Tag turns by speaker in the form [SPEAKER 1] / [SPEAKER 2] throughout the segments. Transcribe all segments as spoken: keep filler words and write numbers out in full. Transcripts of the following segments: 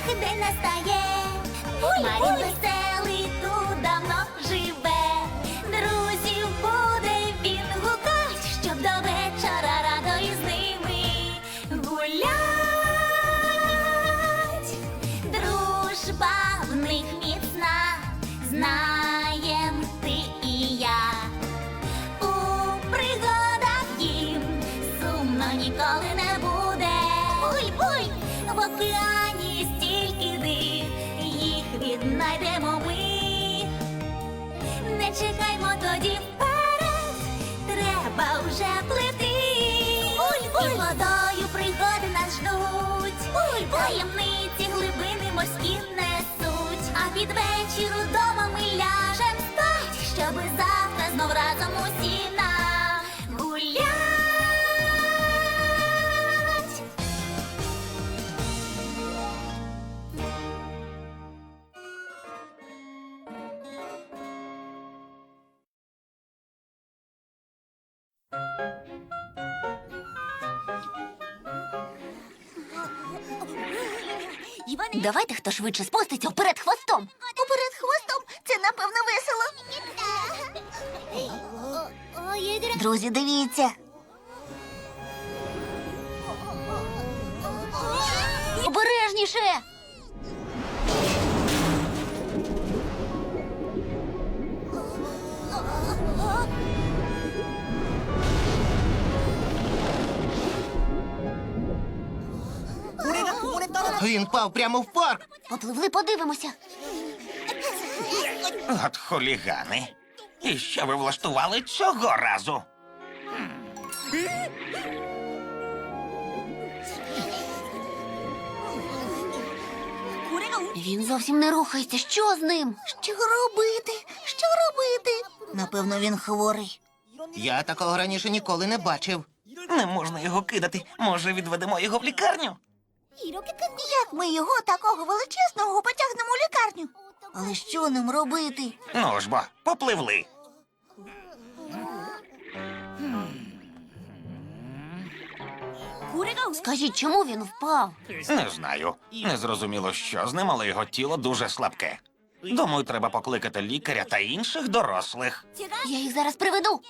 [SPEAKER 1] день настає. Марін веселий тут давно живе. Друзів буде він гукать, щоб до вечора радо із ними гулять. Дружба в них міцна, знаєм ти і я. У пригадах їм сумно ніколи не буде. Буй-буй! В океані стільки див, їх віднайдемо ми. Не чекаймо тоді вперед, треба вже плити. Буль-буль! І водою пригоди нас ждуть. Буль-буль! Таємниці глибини морські несуть. А під вечір удома ми ляжем спать, щоби завтра знов разом усі нагулять. Давайте хто швидше спуститься вперед хвостом. Уперед хвостом? Це, напевно, весело. Друзі, дивіться. Обережніше.
[SPEAKER 2] Він впав прямо в парк.
[SPEAKER 1] Попливли, подивимося.
[SPEAKER 3] От хулігани. І що ви влаштували цього разу?
[SPEAKER 1] Він зовсім не рухається. Що з ним? Що робити? Що робити? Напевно, він хворий.
[SPEAKER 2] Я такого раніше ніколи не бачив.
[SPEAKER 3] Не можна його кидати. Може, відведемо його в лікарню?
[SPEAKER 1] Як ми його, такого величезного, потягнемо у лікарню? Але що нам робити?
[SPEAKER 3] Ну ж бо, попливли.
[SPEAKER 1] Скажіть, чому він впав?
[SPEAKER 3] Не знаю. Не зрозуміло, що з ним, але його тіло дуже слабке. Думаю, треба покликати лікаря та інших дорослих.
[SPEAKER 1] Я їх зараз приведу.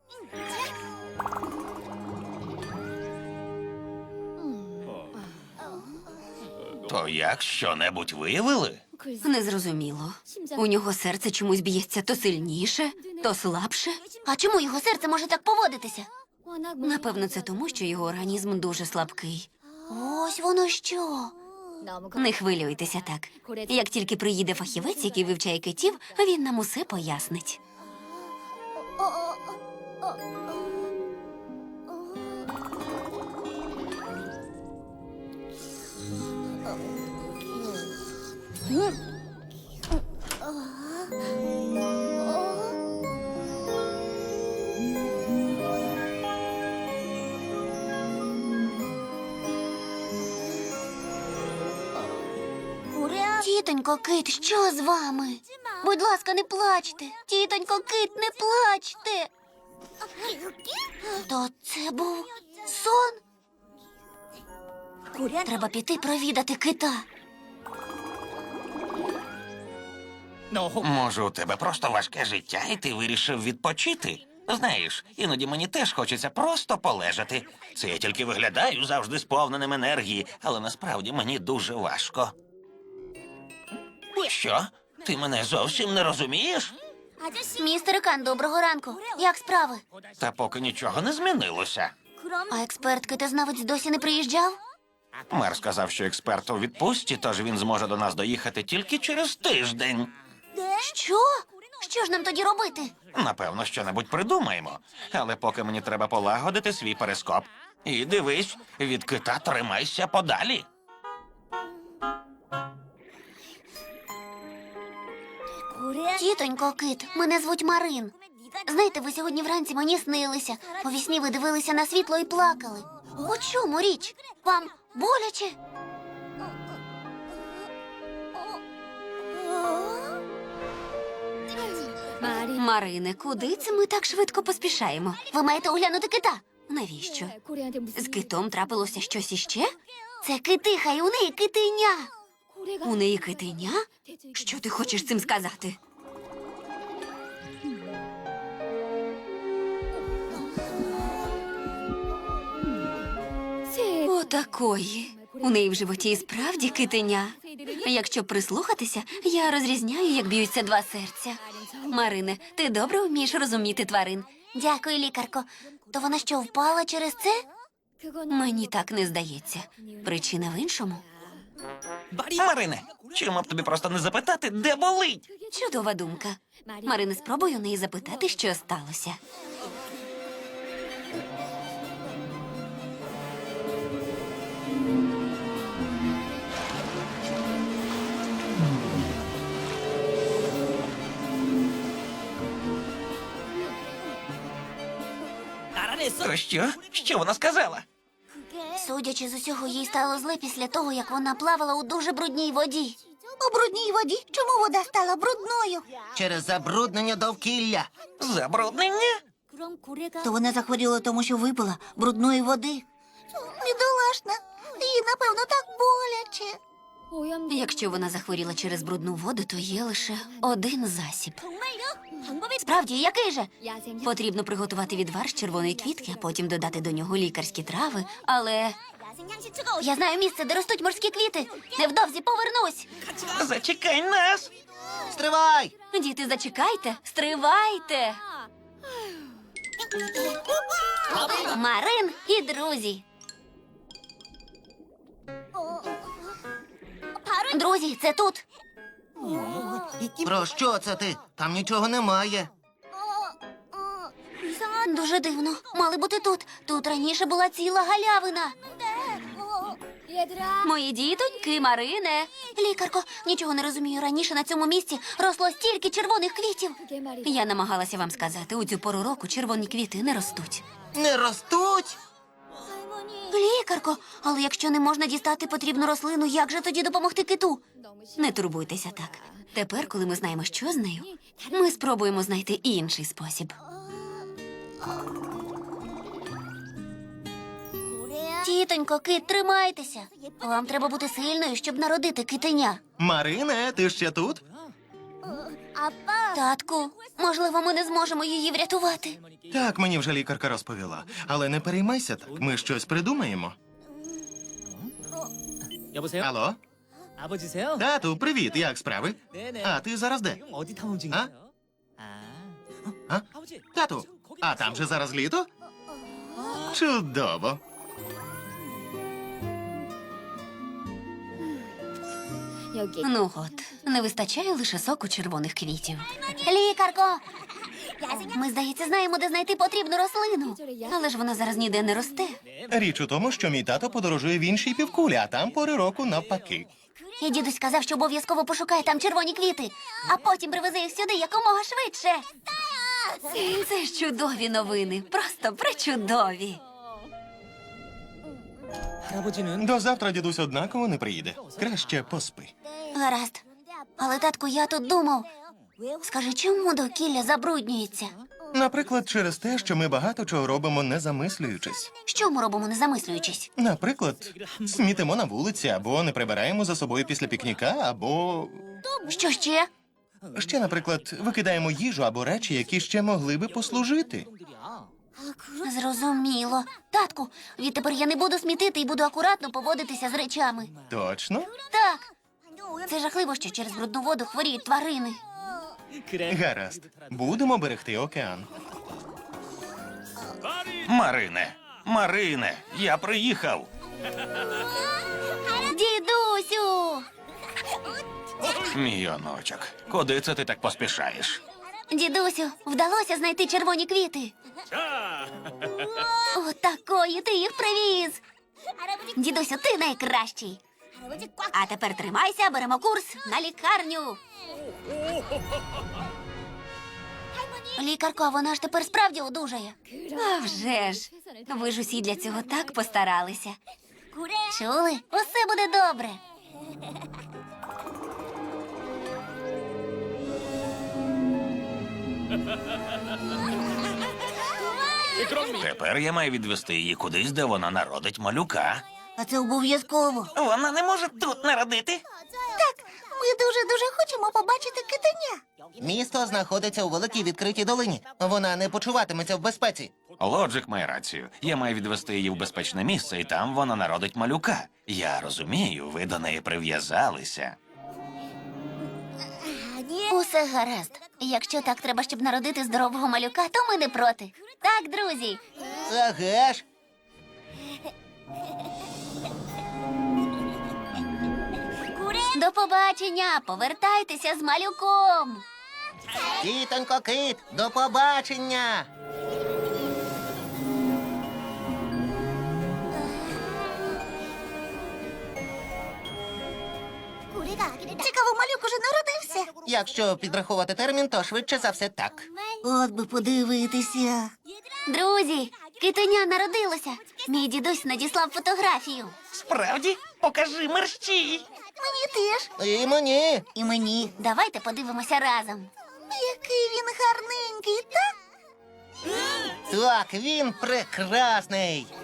[SPEAKER 3] То як, що-небудь виявили?
[SPEAKER 1] Незрозуміло. У нього серце чомусь б'ється то сильніше, то слабше. А чому його серце може так поводитися? Напевно, це тому, що його організм дуже слабкий. Ось воно що. Не хвилюйтеся так. Як тільки приїде фахівець, який вивчає китів, він нам усе пояснить. Тітонько Кит, що з вами? Будь ласка, не плачте. Тітонько Кит, не плачте. То це був сон? Треба піти провідати кита.
[SPEAKER 3] Може, у тебе просто важке життя, і ти вирішив відпочити? Знаєш, іноді мені теж хочеться просто полежати. Це я тільки виглядаю завжди сповненим енергії, але насправді мені дуже важко. Що? Ти мене зовсім не розумієш?
[SPEAKER 1] Містер Кан, доброго ранку. Як справи?
[SPEAKER 3] Та поки нічого не змінилося.
[SPEAKER 1] А експерт китознавець досі не приїжджав?
[SPEAKER 3] Мер сказав, що експерт у відпустці, тож він зможе до нас доїхати тільки через тиждень.
[SPEAKER 1] Що? Що ж нам тоді робити?
[SPEAKER 3] Напевно, що-небудь придумаємо. Але поки мені треба полагодити свій перископ. І дивись, від кита тримайся подалі.
[SPEAKER 1] Тітонько Кит, мене звуть Марин. Знаєте, ви сьогодні вранці мені снилися. По вісні ви дивилися на світло і плакали. У чому річ? Вам боляче? Марине, куди це ми так швидко поспішаємо? Ви маєте оглянути кита. Навіщо? З китом трапилося щось іще? Це китиха, і у неї китеня. У неї китеня? Що ти хочеш цим сказати? Отакої. У неї в животі і справді китеня. Якщо прислухатися, я розрізняю, як б'ються два серця. Марине, ти добре вмієш розуміти тварин. Дякую, лікарко. То вона що, впала через це? Мені так не здається. Причина в іншому.
[SPEAKER 3] Марине, чому б тобі просто не запитати, де болить?
[SPEAKER 1] Чудова думка. Марине, спробуй у неї запитати, що сталося.
[SPEAKER 3] То що? Що вона сказала?
[SPEAKER 1] Судячи з усього, їй стало зле після того, як вона плавала у дуже брудній воді.
[SPEAKER 4] У брудній воді? Чому вода стала брудною?
[SPEAKER 2] Через забруднення довкілля.
[SPEAKER 3] Забруднення?
[SPEAKER 4] То вона захворіла, тому що випила брудної води. Бідолашна, їй, напевно, так боляче.
[SPEAKER 1] Якщо вона захворіла через брудну воду, то є лише один засіб. Справді, який же? Потрібно приготувати відвар з червоної квітки, а потім додати до нього лікарські трави. Але я знаю місце, де ростуть морські квіти. Невдовзі повернусь.
[SPEAKER 3] Зачекай нас!
[SPEAKER 2] Стривай!
[SPEAKER 1] Діти, зачекайте, стривайте. Марин і друзі. Друзі, це тут.
[SPEAKER 2] Про що це ти? Там нічого немає.
[SPEAKER 1] Дуже дивно. Мали бути тут. Тут раніше була ціла галявина. Мої дітоньки, Марине. Лікарко, нічого не розумію. Раніше на цьому місці росло стільки червоних квітів. Я намагалася вам сказати, у цю пору року червоні квіти не ростуть.
[SPEAKER 2] Не ростуть?
[SPEAKER 1] Лікарко, але якщо не можна дістати потрібну рослину, як же тоді допомогти киту? Не турбуйтеся так. Тепер, коли ми знаємо, що з нею, ми спробуємо знайти інший спосіб. Тітонько, кит, тримайтеся. Вам треба бути сильною, щоб народити китеня.
[SPEAKER 2] Марине, ти ще тут?
[SPEAKER 1] Татку, можливо, ми не зможемо її врятувати.
[SPEAKER 5] Так, мені вже лікарка розповіла. Але не переймайся так, ми щось придумаємо.
[SPEAKER 6] 여보세요?
[SPEAKER 5] Алло?
[SPEAKER 6] 아버지세요?
[SPEAKER 5] Тату, привіт, як справи?
[SPEAKER 6] 네네.
[SPEAKER 5] А, ти зараз де?
[SPEAKER 6] 지금 어디 탐험 중이세요? 아.
[SPEAKER 5] А?
[SPEAKER 6] 아버지.
[SPEAKER 5] Тату,
[SPEAKER 6] 지금 거기
[SPEAKER 5] а там же зараз літо? Чудово.
[SPEAKER 1] Ну от, не вистачає лише соку червоних квітів. Лікарко! Ми, здається, знаємо, де знайти потрібну рослину. Але ж вона зараз ніде не росте.
[SPEAKER 5] Річ у тому, що мій тато подорожує в іншій півкулі, а там пори року навпаки.
[SPEAKER 1] І дідусь сказав, що обов'язково пошукає там червоні квіти, а потім привезе їх сюди якомога швидше. Це ж чудові новини, просто пречудові.
[SPEAKER 6] 할아버지는
[SPEAKER 5] До завтра дідусь однаково не приїде. Краще поспи.
[SPEAKER 1] Гаразд. Але, татку, я тут думав. Скажи, чому довкілля забруднюється?
[SPEAKER 5] Наприклад, через те, що ми багато чого робимо, не замислюючись.
[SPEAKER 1] Що ми робимо, не замислюючись?
[SPEAKER 5] Наприклад, смітимо на вулиці, або не прибираємо за собою після пікніка, або
[SPEAKER 1] Що ще?
[SPEAKER 5] ще, наприклад, викидаємо їжу або речі, які ще могли би послужити.
[SPEAKER 1] Зрозуміло. Татку, відтепер я не буду смітити і буду акуратно поводитися з речами.
[SPEAKER 5] Точно?
[SPEAKER 1] Так. Це жахливо, що через брудну воду хворіють тварини.
[SPEAKER 6] 그래.
[SPEAKER 5] Гаразд. Будемо берегти океан.
[SPEAKER 3] Марине, Марине, я приїхав.
[SPEAKER 1] Дідусю!
[SPEAKER 3] Мій онучок, куди це ти так поспішаєш?
[SPEAKER 1] Дідусю, вдалося знайти червоні квіти. О, такої ти їх привіз. Дідусю, ти найкращий. А тепер тримайся, беремо курс на лікарню. Лікарко, а вона ж тепер справді одужає. А вже ж. Ви ж усі для цього так постаралися. Чули? Усе буде добре.
[SPEAKER 3] Тепер я маю відвести її кудись, де вона народить малюка.
[SPEAKER 4] А це обов'язково.
[SPEAKER 3] Вона не може тут народити.
[SPEAKER 4] маємо побачити китеня.
[SPEAKER 2] Місто знаходиться у великій відкритій долині. Вона не почуватиметься в безпеці.
[SPEAKER 3] Лоджик має рацію. Я маю відвести її в безпечне місце, і там вона народить малюка. Я розумію, ви до неї прив'язалися.
[SPEAKER 1] Усе гаразд. Якщо так треба, щоб народити здорового малюка, то ми не проти. Так, друзі.
[SPEAKER 2] Еге ж.
[SPEAKER 1] До побачення. Повертайтеся з малюком.
[SPEAKER 2] Тітонько кит, до побачення.
[SPEAKER 4] Цікаво, малюк уже народився.
[SPEAKER 2] Якщо підрахувати термін, то швидше за все так.
[SPEAKER 4] От би подивитися.
[SPEAKER 1] Друзі, китеня народилося. Мій дідусь надіслав фотографію.
[SPEAKER 3] Справді? Покажи мерщій.
[SPEAKER 4] Мені теж.
[SPEAKER 2] І мені.
[SPEAKER 4] І мені.
[SPEAKER 1] Давайте подивимося разом.
[SPEAKER 4] Який він гарненький, так?
[SPEAKER 2] Так, він прекрасний.